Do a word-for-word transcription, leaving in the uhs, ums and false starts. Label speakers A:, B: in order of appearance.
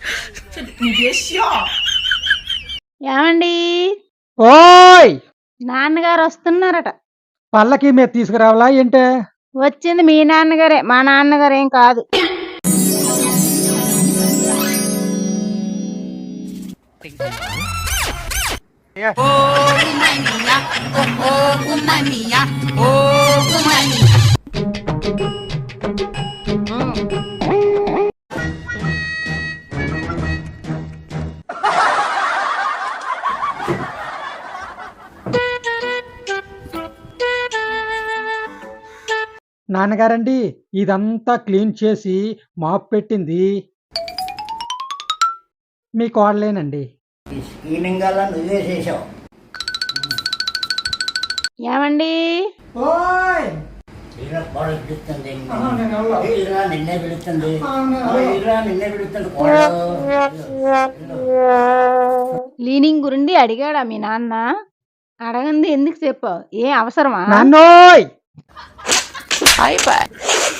A: 你别笑。
B: ఏమండి
C: ఓయ్
B: నాన్నగారు వస్తున్నారట.
C: పల్లకి మీద తీసుకురావాలా ఏంటే?
B: వచ్చింది మీ నాన్నగారే, మా నాన్నగారు ఏం కాదు.
C: నాన్నగారండి, ఇదంతా క్లీన్ చేసి మాప్ పెట్టింది మీ కోడలేనండి.
D: ఈ స్క్రీనింగ్ అలా నువ్వే చేసావు.
B: ఏమండి
C: ఓయ్
D: ఇలా కోడలు పిలుస్తుంది,
C: ఆహా, నేను వెళ్ళా.
D: ఇలా నిన్నే పిలుస్తుంది,
C: ఆ, నేను వెళ్ళా.
D: ఇలా నిన్నే పిలుస్తుంది కోడలు.
B: క్లీనింగ్ గురించి అడిగాడా మీ నాన్న? అడగంది ఎందుకు చెప్పావు? ఏ అవసరమా?
C: నాన్నోయ్
A: Bye bye.